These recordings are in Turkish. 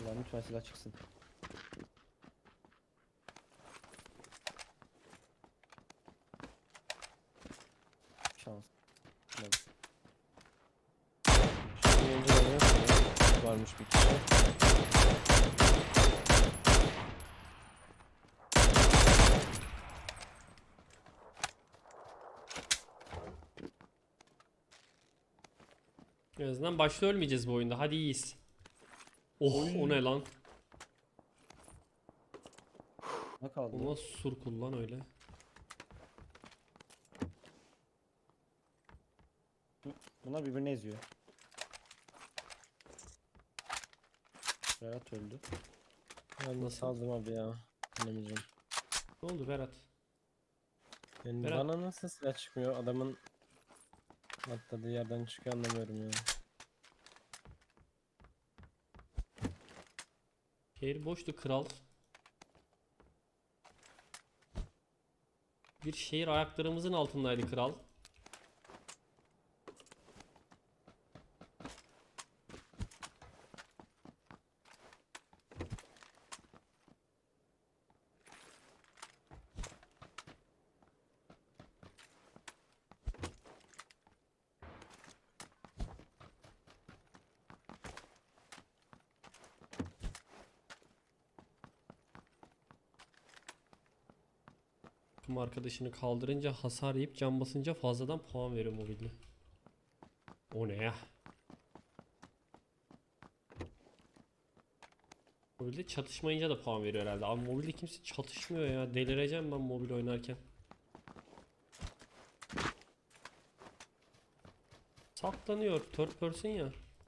Allah'ım lütfen silah çıksın. Şans. Evet. Şimdi önceden yok ya. Varmış bir kişi. En azından başta ölmeyeceğiz bu oyunda. Hadi iyiyiz. Oh o ne lan? Ne kaldı? O nasıl sur kullan öyle? Bunlar birbirini eziyor. Berat öldü. Ben de Nasıl? saldım abi ya. Bilemeyeceğim. Ne oldu Berat? Yani Berat. bana nasıl silah çıkmıyor? Adamın atladığı yerden çıkıyor anlamıyorum ya. Şehir boştu kral. Bir şehir ayaklarımızın altındaydı kral. Takım arkadaşını kaldırınca hasar yiyip can basınca fazladan puan veriyor mobilde. O ne ya? Mobilde çatışmayınca da puan veriyor herhalde. Abi mobilde kimse çatışmıyor ya. Delireceğim ben mobil oynarken. Saklanıyor. Third person ya.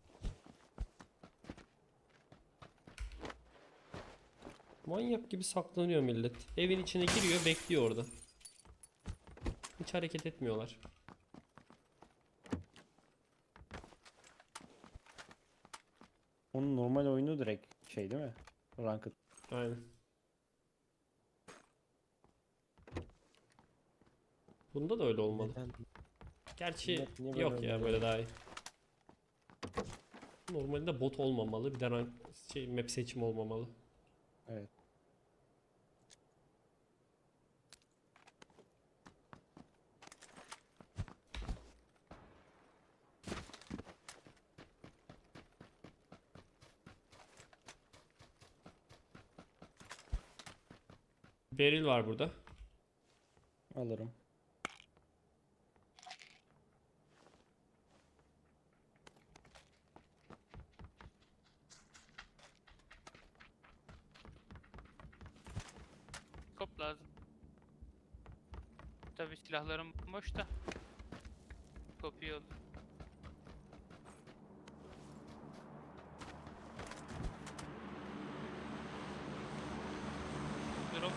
Manyak gibi saklanıyor millet. Evin içine giriyor, bekliyor orada. Hiç hareket etmiyorlar. Onun normal oyunu direkt şey değil mi? Ranked. Aynen. Bunda da öyle olmalı. Neden? Gerçi Millet niye böyle yok ya oynuyor böyle ya? daha iyi. Normalde bot olmamalı. Bir de rank, map seçimi olmamalı. Evet. Beril var burada. Alırım. Kop lazım. Tabii silahlarım boş da. Kop iyi olur. Drop.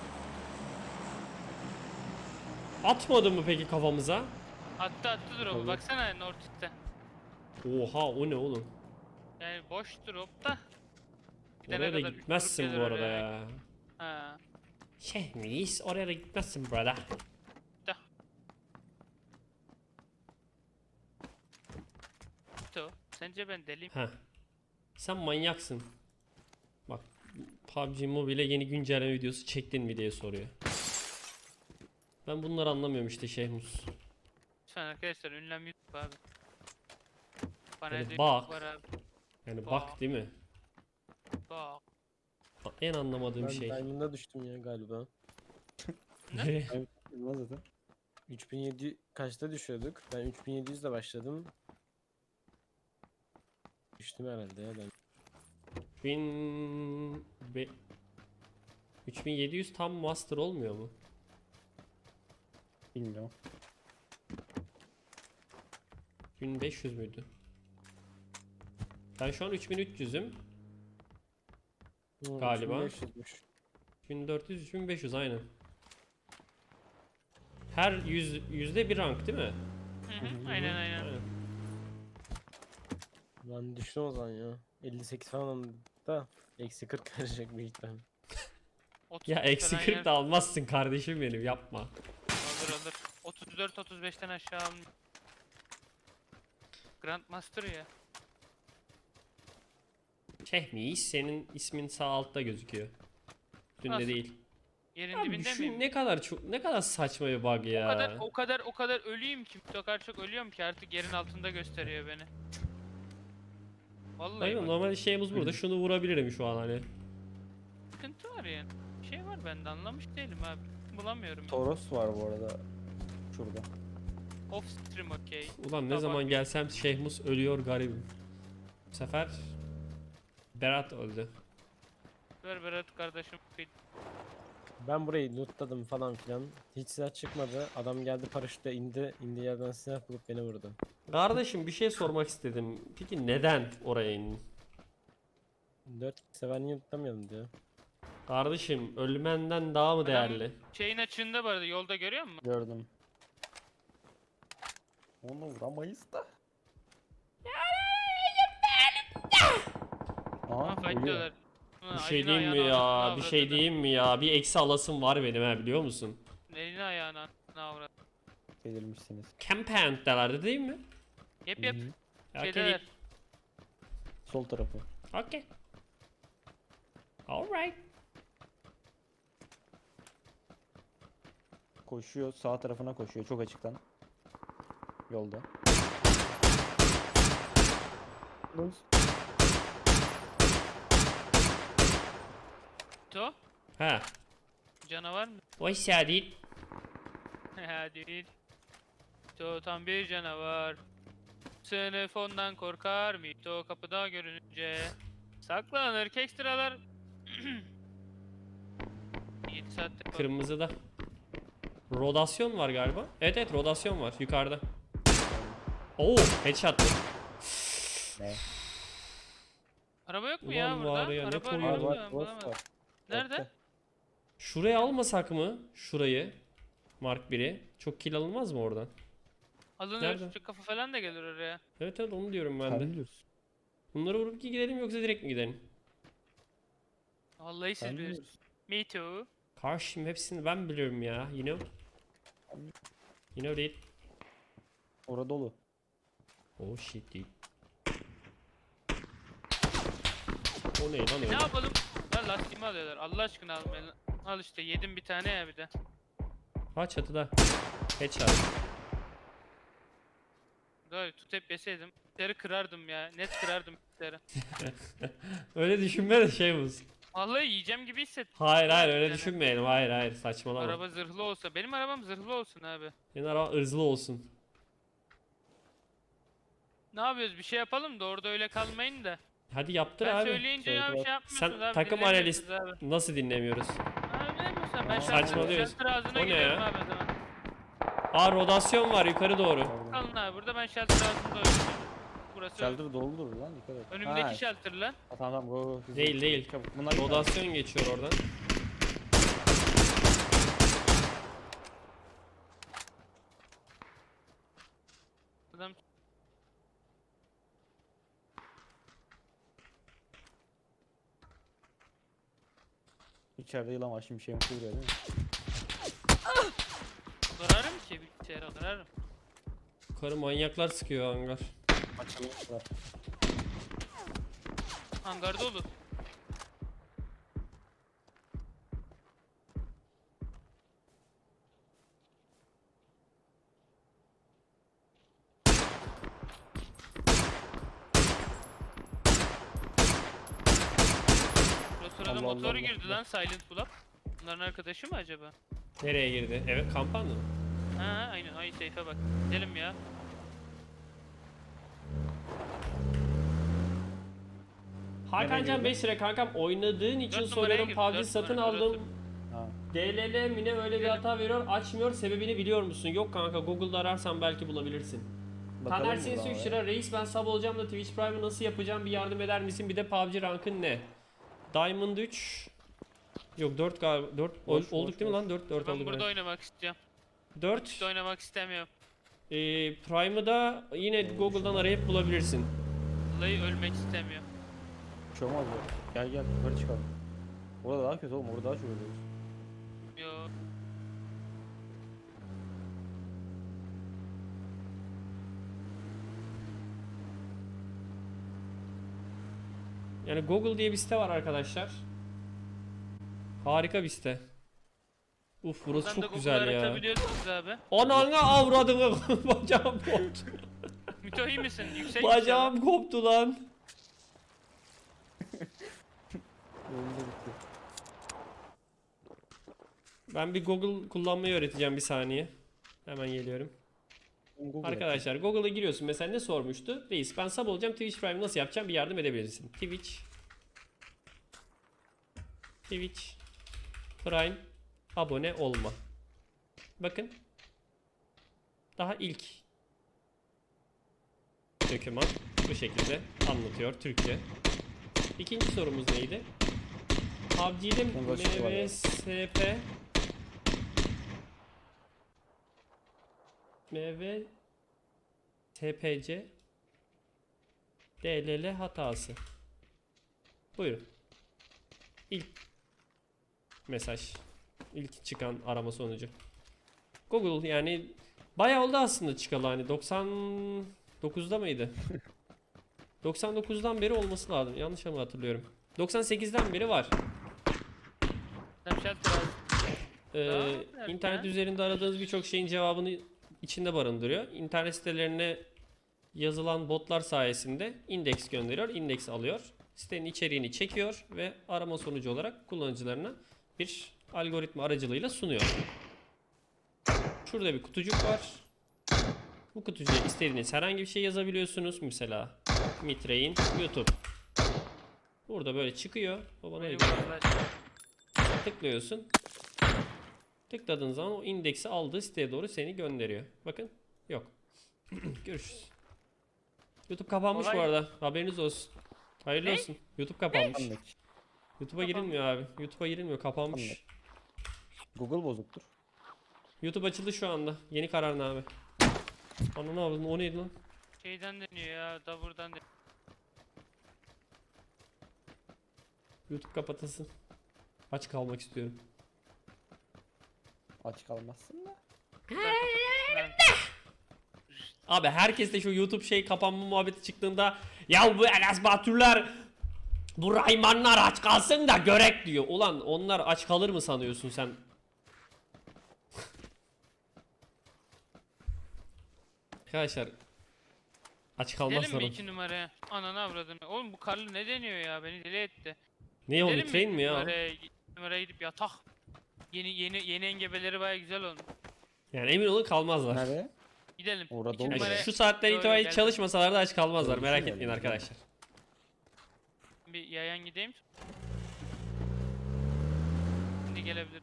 Atmadı mı peki kafamıza? Attı drop'u. Tabii. Baksana North'te. Oha o ne oğlum? Yani boş drop da. Gidene Oraya da kadar gitmezsin durup bu gelir arada oraya. ya. Ha. Şehmiz oraya da gitmezsin brother. Da. To. Sence ben deliyim? Heh. Sen manyaksın. Bak PUBG Mobile yeni güncelleme videosu çektin mi diye soruyor. Ben bunları anlamıyorum işte Şehmus. Lütfen arkadaşlar ünlem YouTube abi. Bana Yani yani bak. var abi. Yani bak değil mi? Bak. En anlamadığım Ben şey. Diamond'a düştüm ya galiba. Nereye? Evet. Bilmez zaten. 3700 kaçta düşüyorduk? Ben 3700 ile başladım. Düştüm herhalde ya ben. 3700 tam master olmuyor mu? Bilmiyorum. 1500 müydü? Ben şu an 3300'üm. Galiba. 3500'müş. 1400 3500 aynen. Her yüzde bir rank değil mi? Hı hı, aynen. Aynen. Ben düştüm o zaman ya. 58 falan da eksi 40 verecek büyük ihtimal. 30 Ya eksi falan 40 da almazsın kardeşim benim yapma. Alır. 34-35'ten aşağı almıyor. Grandmaster ya. Şehmiyiz. Senin ismin sağ altta gözüküyor. Üstünde Nasıl? değil. Yerin Abi dibinde şu miyim? ne kadar saçma bir bug ya. O kadar ölüyüm ki. O kadar çok ölüyorum ki artık yerin altında gösteriyor beni. Vallahi Hayır, bak, normal şeyimiz burada. Şunu vurabilirim şu an hani. sıkıntı var yani. Bir şey var, ben de anlamış değilim abi. Bulamıyorum. Toros var bu arada. Şurada. Off stream okey. Ulan ne Tamam. zaman gelsem Şehmus ölüyor garibim. Bu sefer Berat öldü. Ver Berat kardeşim. Ben burayı lootladım falan filan. Hiç silah çıkmadı. Adam geldi paraşütle indi. İndiği yerden silah bulup beni vurdu. Kardeşim bir şey sormak istedim. Peki neden oraya indin? 4 sever niye lootlamayalım diyor. Kardeşim ölmenden daha mı değerli? Şeyin açığında bu arada, yolda görüyor musun? Gördüm. Onu vuramayız da. Ha, Aha, fight ölüyor. diyorlar. Bir şey diyeyim mi ya? Bir şey diyeyim mi ya? Bir eksi alasım var benim ha, biliyor musun? Elini ayağına avrat. Delirmişsiniz. Campant'talardı değil mi? Yep yep. Hı hı. Okay. Şeydeler. Sol tarafı. Okay. Alright. Koşuyor, sağ tarafına koşuyor çok açıktan. Yolda. To. Ha. Canavar mı? Hoş geldin. Ha değil. To tam bir canavar. Sınıf ondan korkar mı? To kapıda görününce. Saklanır kekstralar. 7 saatte kaldı. Kırmızıda. Rodasyon var galiba. Evet evet, rodasyon var yukarıda. Oo, headshot. Ne? Araba yok mu Ulan ya burada? var ya, ne Araba koyuyor arıyorum lan? da Boss bulamadım. var. Nerede? Altta. Şuraya almasak mı? Şurayı. Mark 1'i. Çok kill alınmaz mı oradan? Alınır. Nerede? Şu kafa falan da gelir oraya. Evet evet, onu diyorum ben Sen de. biliyorsun. Bunları vurup ki gidelim yoksa direkt mi gidelim? Vallahi siz Sen bilirsiniz. biliyorsun. Me too. Karşım hepsini ben biliyorum ya. You know? You know that. Orada dolu. Oh shit dude. O ne lan Ne öyle? yapalım? Lan lastiğimi alıyorlar. Allah aşkına almayın. Al işte, yedim bir tane ya bir de. Ha, çatıda. Headshot. Doğru, tut hep yeseydim. Bitleri kırardım ya. Net kırardım bitleri. Öyle düşünme de şey bu. Vallahi yiyeceğim gibi hissettim. Hayır hayır, öyle Yani. düşünmeyelim. Hayır hayır, saçmalama. Araba zırhlı olsa. Benim arabam zırhlı olsun abi. Senin araba ırzlı olsun. Ne yapıyoruz? Bir şey yapalım da orada öyle kalmayın da. Hadi yaptır Ben abi. söyleyince ya bir şey yapmıyorsunuz Sen abi. takım dinlemiyorsunuz analist abi. nasıl dinlemiyoruz? Abi ne yapıyorsun? Ben Saçmalıyoruz. shelter ağzına O ne gidiyorum ya? abi o zaman. Aa, rodasyon var yukarı doğru. Orada. Kalın abi burada, ben shelter ağzında oynuyorum. Burası Shelter doludur lan, dikkat et. önümdeki Ha, shelter lan. tamam tamam, go go. hızlı. Değil değil. Çabuk. Bunlar Rodasyon geçiyor oradan. Adam içeride yılan var, şimdi şeyim vuruyor değil mi? kırarım ki bilgisayara kırarım. Yukarı manyaklar sıkıyor hangar. Açılmışlar. Hangarda olur. O sırada Allah motor Allah girdi Allah. lan Silent Bulap. Bunların arkadaşı mı acaba? Nereye girdi? Evet, kampanya mı? Ha aynen, ay seyfe bak. Gidelim ya. Hakancan 5 lira kankam, oynadığın için Dört numaraya soruyorum. girdi, PUBG dört satın numara, aldım. Ha. DLL mine öyle bir Gidelim. hata veriyor, açmıyor, sebebini biliyor musun? Yok kanka, Google'da ararsan belki bulabilirsin. Bakalım Taner buradan Sinsi 3 oraya. lira, reis ben sub olacağım da Twitch Prime'ı nasıl yapacağım, bir yardım eder misin? Bir de PUBG rankın ne? Diamond 3. Yok 4 galiba, 4 Boş, olduk boş, değil mi boş. lan? 4 Ben olduk. burada Evet. oynamak istiyorum. 4. Hiç oynamak istemiyorum. Prime'ı da yine Google'dan arayıp bulabilirsin. Vallahi ölmek istemiyorum. Hiç olmaz ya. Gel gel, yukarı çıkalım. Orada daha kötü oğlum, orada daha çok ölüyoruz. Yo. Yani Google diye bir site var arkadaşlar. Harika bir site. Uf, burası Buradan da çok Google güzel ya. aratabiliyorsunuz abi. Ananı avradını. Bacağım koptu. Mito iyi misin? Yüksek Bacağım koptu lan. Oyunda bitti. Ben bir Google kullanmayı öğreteceğim, bir saniye. Hemen geliyorum. Google Arkadaşlar Google'a giriyorsun. Mesela ne sormuştu? Reis, ben sub olacağım. Twitch Prime nasıl yapacağım? Bir yardım edebilirsin. Twitch Prime abone olma. Bakın. Daha ilk doküman bu şekilde anlatıyor Türkçe. İkinci sorumuz neydi? PUBG'de Uğraşık var ya. MVSP MV TPC DLL hatası. Buyurun. İlk mesaj. İlk çıkan arama sonucu. Google yani bayağı oldu aslında çıkalı, hani 99'da mıydı? 99'dan beri olması lazım. Yanlış mı hatırlıyorum? 98'den beri var. Snapchat abi. İnternet ya. üzerinde aradığınız birçok şeyin cevabını içinde barındırıyor. İnternet sitelerine yazılan botlar sayesinde indeks gönderiyor, indeks alıyor. Sitenin içeriğini çekiyor ve arama sonucu olarak kullanıcılarına bir algoritma aracılığıyla sunuyor. Şurada bir kutucuk var. Bu kutucuğa istediğiniz herhangi bir şey yazabiliyorsunuz. Mesela Mitre'in YouTube. Burada böyle çıkıyor. O bana Beni gidiyor. vurdular. Tıklıyorsun. Tıkladığın zaman o indeksi aldığı siteye doğru seni gönderiyor. Bakın. Yok. Görüşürüz. YouTube kapanmış Olay- bu arada. Haberiniz olsun. Hayırlı Ne? olsun. YouTube kapanmış. Anlık. YouTube'a girilmiyor abi. YouTube'a girilmiyor. Kapanmış. Anladım. Google bozuktur. YouTube açıldı şu anda. Yeni kararname. Ananı avradın, o neydi lan? Şeyden deniyor ya. Da buradan deniyor. YouTube kapatasın. Aç kalmak istiyorum. Aç kalmazsın da. Ben- Abi herkes de şu YouTube şey kapanma muhabbeti çıktığında ya bu Enes Baturlar, bu Raymanlar aç kalsın da görek diyor. Ulan onlar aç kalır mı sanıyorsun sen? Arkadaşlar aç Gidelim kalmazlar. mi 2 numaraya? Ananı avradını. Oğlum bu karlı ne deniyor ya? Beni deli etti. Ne o, Gidelim Mitrein mi ya? Numaraya gidip yatak. Yeni engebeleri baya güzel olmuş. Yani emin olun kalmazlar. Nereye? Gidelim. Orada 2 olmuyor. Yani numaraya şu saatten Yo, itibaren geldim. çalışmasalar da aç kalmazlar. Doğru, Merak güzel etmeyin yani. arkadaşlar. bir yayan gideyim. Şimdi gelebilir.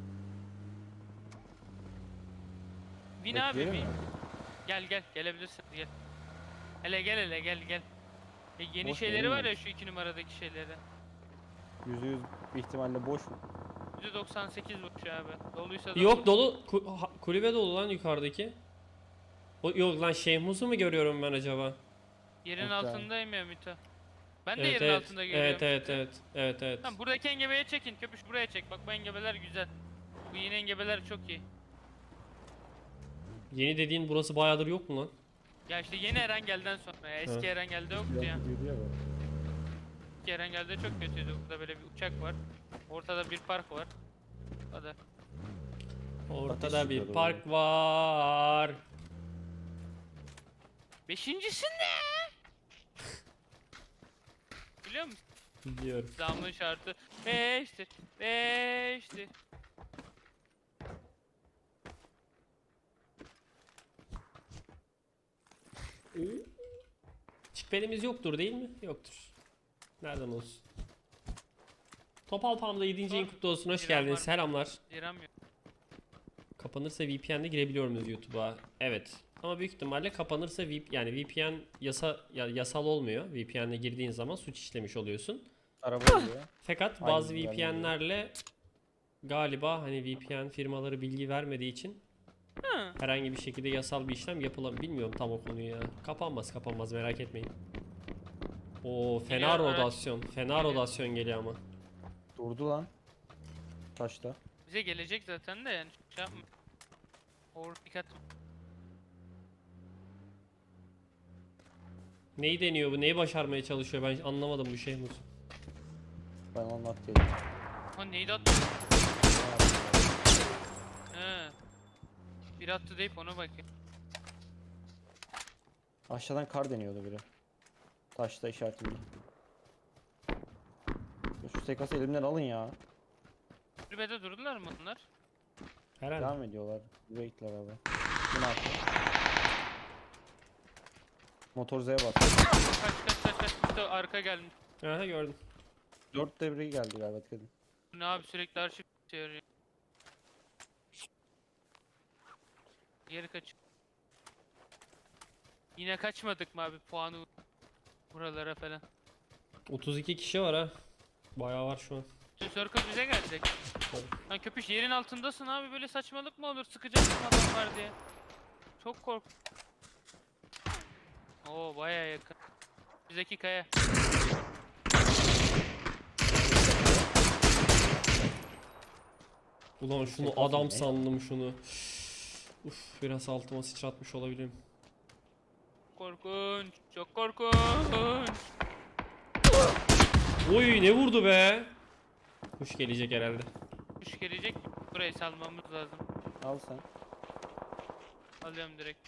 Bin abi Bekleyelim bin. mi? Gel gelebilirsin gel. Hele gel. Yeni Boş şeyleri var ya verilmemiş. şu 2 numaradaki şeyleri. %100 bir ihtimalle boş mu? %98 boş abi. Doluysa da Yok dolu. Kulübe dolu lan yukarıdaki. Yok lan Şeyh mu görüyorum ben acaba? Yerin Yok yani. altındayım ya Mito. Ben de Evet yerin evet. altında görüyorum. Evet. Tamam buradaki engebeye çekin. Köpüş buraya çek. Bak bu engebeler güzel. Bu yeni engebeler çok iyi. Yeni dediğin burası bayağıdır yok mu lan? Ya işte yeni Erengel'den sonra ya. Eski Ha. Erengel'de yoktu ya. Gidiyordu ya böyle. Eski Erengel'de çok kötüydü. Burada böyle bir uçak var. Ortada bir park var. O kadar. Ortada Ateş bir çıkıyordu park var. Beşincisi ne? Biliyor musun? Biliyorum. Zamın şartı 5'tir. 5'tir. Şüphelimiz yoktur değil mi? Yoktur. Nereden olsun? Topal Palm'da 7. ayın kutlu olsun. Hoş İrem geldiniz. var. Selamlar. Liram yok. Kapanırsa VPN'de girebiliyor muyuz YouTube'a? Evet. Ama büyük ihtimalle kapanırsa yani VPN yasal olmuyor. VPN'le girdiğin zaman suç işlemiş oluyorsun. Araba geliyor. Fakat Aynen, bazı güzel VPN'lerle galiba hani VPN firmaları bilgi vermediği için Hı. herhangi bir şekilde yasal bir işlem yapılamıyor. Bilmiyorum tam o konuyu ya. Kapanmaz merak etmeyin. O fena Geliyor, evet. rodasyon. Fena Geliyor. rodasyon geliyor ama. Durdu lan. Taşta. Bize gelecek zaten de yani şey yapma. Dikkat. Neyi deniyor bu? Neyi başarmaya çalışıyor? Ben anlamadım bu şey Muz. Ben anlat dedim. Ha neydi attı? He. Bir attı deyip ona bakayım. Aşağıdan kar deniyordu biri. Taşta işaretimde. Ya şu sekası elimden alın ya. Kulübede durdular mı bunlar? Herhalde. Devam ediyorlar. Wait'ler abi. Bu ne yaptı? Motor Z'ye bas. Kaç. İşte arka gelmiş. Aha gördüm. 4 devreyi geldi galiba dikkat edin. Bu ne abi sürekli arşiv çeviriyor. Geri kaç. Yine kaçmadık mı abi puanı buralara falan. 32 kişi var ha. Bayağı var şu an. Tüm circle bize gelecek. Tabii. Lan köpüş yerin altındasın abi böyle saçmalık mı olur sıkacaksın adam var diye. Çok kork. Oo baya yakın. Bizdeki kaya. Ulan şunu Sekası adam ne? sandım şunu. Uf biraz altıma sıçratmış olabilirim. Korkunç. Çok korkunç. Oy ne vurdu be? Kuş gelecek herhalde. Kuş gelecek. Burayı salmamız lazım. Al sen. Alıyorum direkt.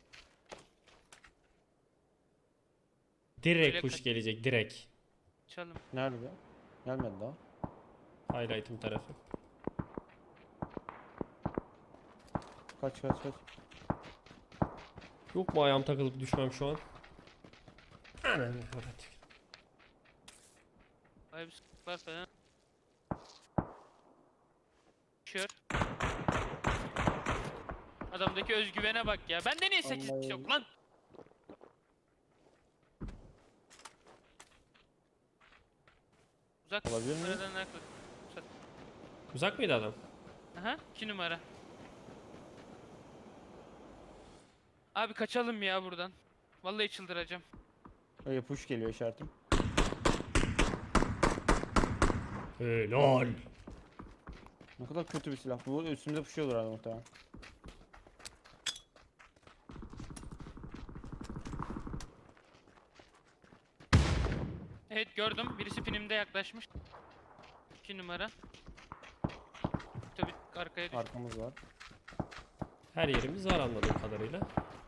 Direkt Öyle kuş kaç- gelecek direkt. Çalım. Nerede? Gelmedi daha. Highlight'ım tarafı. Kaç. Yok mu ayağım takılıp düşmem şu an? Anam evet. Vay bir sıkıntı var falan. Düşüyor. Adamdaki özgüvene bak ya. Bende niye 8 Vallahi- yok lan? Uzak Olabilir mi? numaradan naklı. Uzak mıydı adam? Aha 2 numara. Abi kaçalım ya buradan. Vallahi çıldıracağım. Öyle push geliyor işaretim. Helal. Ne kadar kötü bir silah. Bu üstümüze pushuyordur herhalde muhtemelen. Evet gördüm. Birisi pinimde yaklaşmış. 2 numara. Tabii arkaya düştü. Arkamız var. Her yerimiz var anladığım kadarıyla.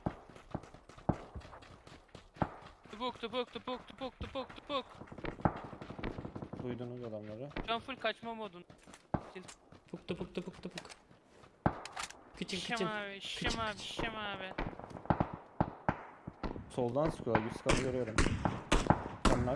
Tupuk. Duydunuz adamları. Şu an full kaçma modun. Puk tupuk tupuk tupuk. Kıçın Şişem kıçın. abi, şişem abi. Soldan sıkıyorlar. Bir sıkanı görüyorum. Canlar.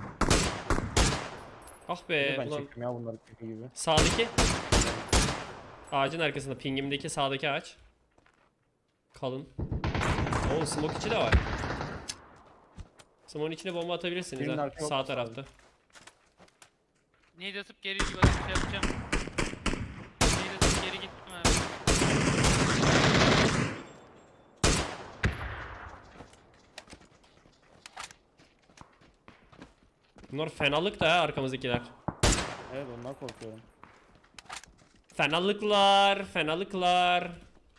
Ah Ben be ulan. çektim ya bunları kötü gibi. Sağdaki. Ağacın arkasında pingimdeki sağdaki ağaç. Kalın. Oo smoke içi de var. Smoke'un içine bomba atabilirsiniz Birinin ha. arkaya Sağ bakması tarafta. Neydi atıp geri bir bakıp şey yapacağım. Neydi atıp geri gittim abi. Bunlar fenalık da ha arkamızdakiler. Evet ondan korkuyorum. Fenalıklar.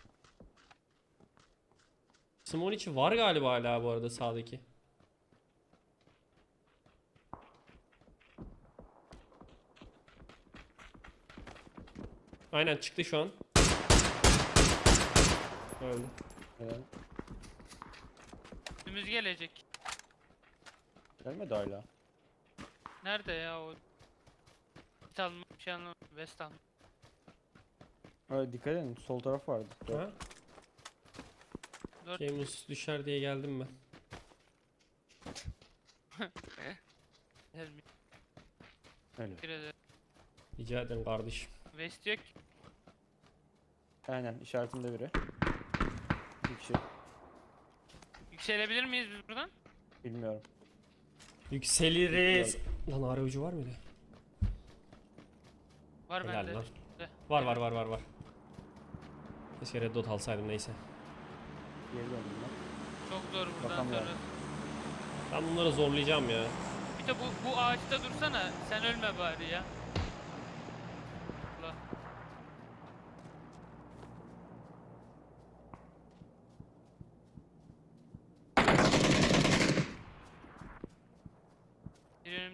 Smoke'un içi var galiba hala bu arada sağdaki. Aynen çıktı şu an. Öldü. Evet. Üstümüz gelecek. Gelmedi hala. Nerede ya o? Git alma bir şey anlamadım. West alma. Evet, dikkat edin. Sol taraf vardı. Ha? 4 James düşer diye geldim ben. gelmiyor. Öyle. Teşekkür ederim. Rica ederim kardeşim. West yok. Aynen işaretimde biri. Bir kişi. Yükselebilir miyiz biz buradan? Bilmiyorum. Yükseliriz. Lan ara ucu var mıydı? Var Helal bende. lan. De. Var. Keşke Red Dot alsaydım neyse. Geri döndüm ben. Çok zor buradan Bakamıyorum. sonra. Ben bunları zorlayacağım ya. Bir de bu ağaçta dursana. Sen ölme bari ya. Allah.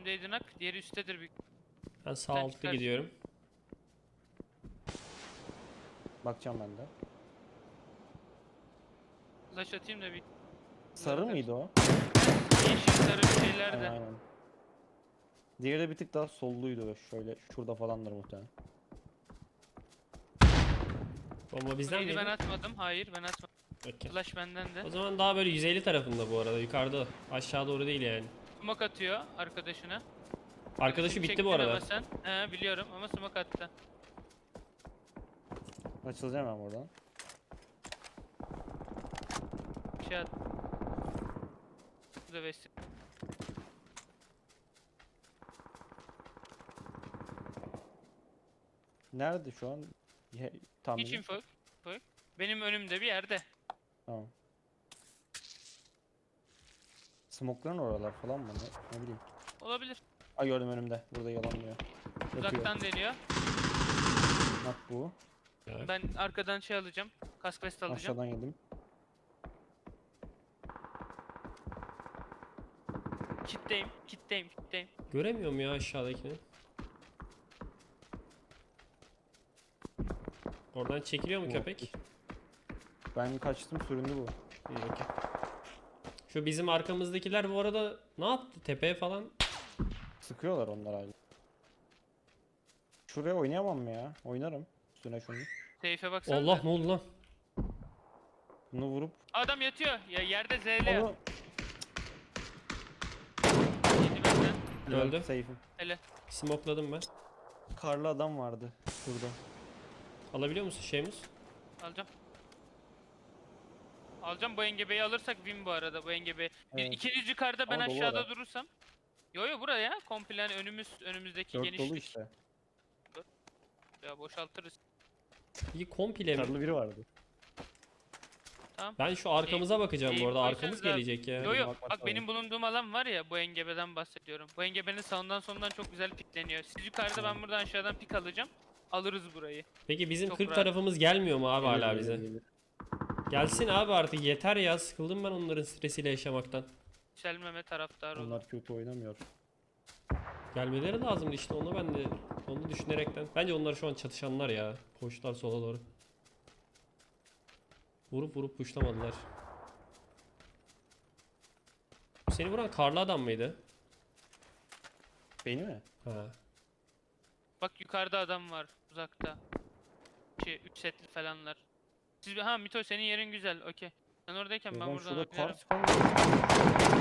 önümdeydi nak. Diğeri üsttedir büyük. Ben sağ Sen altta çıkarsın. gidiyorum. Bakacağım ben de. Flash atayım da bir. Sarı mıydı o? Yeşil sarı şeyler de. Aynen aynen. Diğeri de bir tık daha solluydu. Şöyle şurada falandır muhtemelen. Bomba bizden Neydi, ben miydi? atmadım. Hayır ben atmadım. Okey. Flash benden de. O zaman daha böyle 150 tarafında bu arada. Yukarıda. Aşağı doğru değil yani. Smoke atıyor arkadaşına. Arkadaşı Smoke bitti bu çektin arada. ama sen. He biliyorum ama smoke attı. Açılacağım ben buradan. Bir şey attı. Bu da vesile. Nerede şu an? Tam Hiç info yok. Benim önümde bir yerde. Tamam. Smokların oralar falan mı? Ne bileyim. Olabilir. Ay gördüm önümde. Burada yalanlıyor. Yapıyor. Uzaktan deniyor. Bak bu. Evet. Ben arkadan şey alacağım. Kask vest alacağım. Aşağıdan yedim. Kitleyim. Göremiyorum ya aşağıdakini. Oradan çekiliyor mu Yok. köpek? Ben kaçtım, süründü bu. İyi okey. Şu bizim arkamızdakiler bu arada ne yaptı? Tepeye falan. Sıkıyorlar onlar hala. Şuraya oynayamam mı ya? Oynarım. Üstüne şunu. Seyfe baksana. Allah ne oldu lan? Bunu vurup Adam yatıyor. Ya yerde ZL. onu Yedi benden. Öldü. Safe'im. Hele. Smokladım ben. Karlı adam vardı şurada. Alabiliyor musun şeyimiz? Alacağım. Alacağım, bu engebeyi alırsak win bu arada, bu engebeyi. Evet. İkiniz yukarıda, ben Ama dolu aşağıda ara. durursam. Yo buraya komple hani önümüzdeki 4 genişlik. dolu işte. Ya boşaltırız. İyi komple mi? Karlı biri vardı. Tamam. Ben şu arkamıza bakacağım bu arada. koysanız Arkamız abi. gelecek ya. Yo bakmak bak lazım. benim bulunduğum alan var ya, bu engebeden bahsediyorum. Bu engebenin sağından solundan çok güzel pikleniyor. Siz yukarıda, ben buradan aşağıdan pik alacağım. Alırız burayı. Peki bizim Çok 40 rahat. tarafımız gelmiyor mu abi Gelir, hala gelir, bize? gelir. Gelsin abi artık yeter ya. Sıkıldım ben onların stresiyle yaşamaktan. Yükselmeme taraftarı olur. Onlar kötü oynamıyor. Gelmeleri lazımdı işte, onu ben de onu düşünerekten. Bence onlar şu an çatışanlar ya. Koştular sola doğru. Vurup puşlamadılar. Seni vuran karlı adam mıydı? Beni mi? Ha. Bak yukarıda adam var uzakta. 3 setli falanlar. Siz ha Mito, senin yerin güzel. Okey. Sen oradayken ben Ulan buradan şurada kar oynarım. çıkan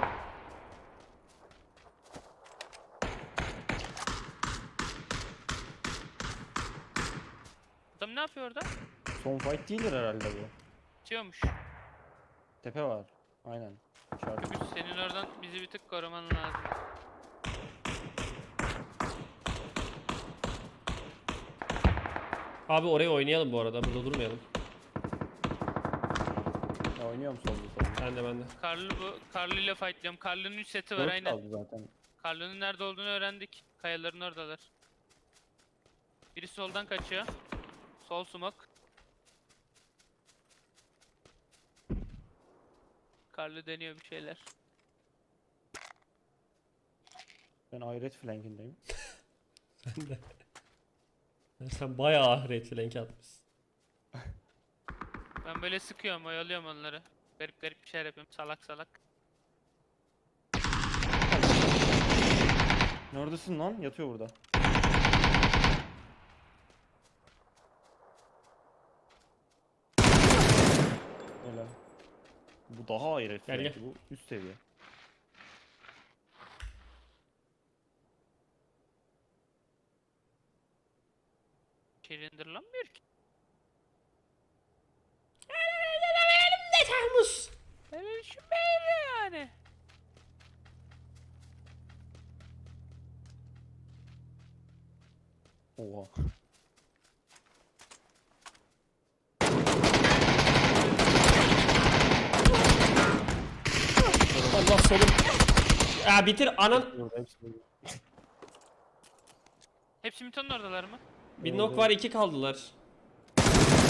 Adam ne yapıyor orada? son fight değildir herhalde bu. Atıyormuş. Tepe var. Aynen. İşaret. Öbür senin oradan bizi bir tık koruman lazım. Abi oraya oynayalım bu arada. Burada durmayalım. Ya oynuyorum solda. Ben de. Karlı bu. Karlı ile fightlıyorum. Karlı'nın 3 seti var 4 aynen. kaldı zaten. Karlı'nın nerede olduğunu öğrendik. Kayaların oradalar. Biri soldan kaçıyor. Sol smoke. Karlı deniyor bir şeyler. Ben ahiret flankindeyim. Sen bayağı ahiret flank atmışsın. Ben böyle sıkıyorum, oyalıyorum onları. Garip bir şeyler yapıyorum. Salak. Neredesin lan? Yatıyor burada. Öyle. Bu daha ahiret Gel, flanki. Bu üst seviye. Şirindirlanmıyor ki. Termus. Öyle düşünmeyin yani. Oha. Allah solum. Ya bitir anan. Burada hepsi burada. Hepsi Mito'nun oradalar mı? Bir nok var, 2 kaldılar.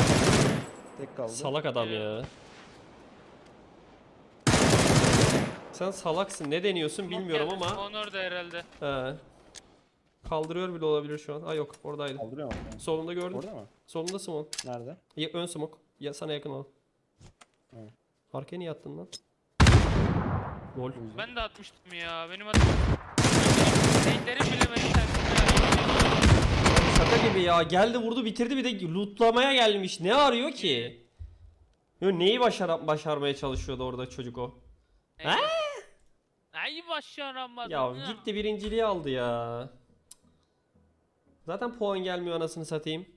Tek kaldı. Salak adam ya. Sen salaksın. Ne deniyorsun bilmiyorum ama. Spawn orada herhalde. He. Kaldırıyor bile olabilir şu an. Aa yok oradaydı. Kaldırıyor mu? Solunda gördüm. Orada mı? Solunda smoke. Nerede? Ya, ön smoke. Ya sana yakın ol. Hı. Arkaya niye attın lan? Lol. Ben de atmıştım ya. Benim adım. Renklerim bile beni tersine. Şaka gibi ya. Geldi vurdu bitirdi bir de lootlamaya gelmiş. Ne arıyor ki? Yo, neyi başarmaya çalışıyordu orada çocuk o? Neyse. Ay başaramadım. Ya gitti birinciliği aldı ya. Zaten puan gelmiyor anasını satayım.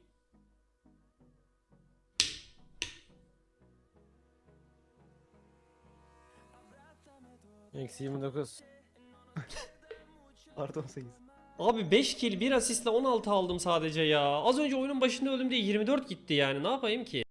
Eksi 29. Artı 18. Abi 5 kill 1 asistle 16 aldım sadece ya. Az önce oyunun başında öldüm diye 24 gitti yani. Ne yapayım ki?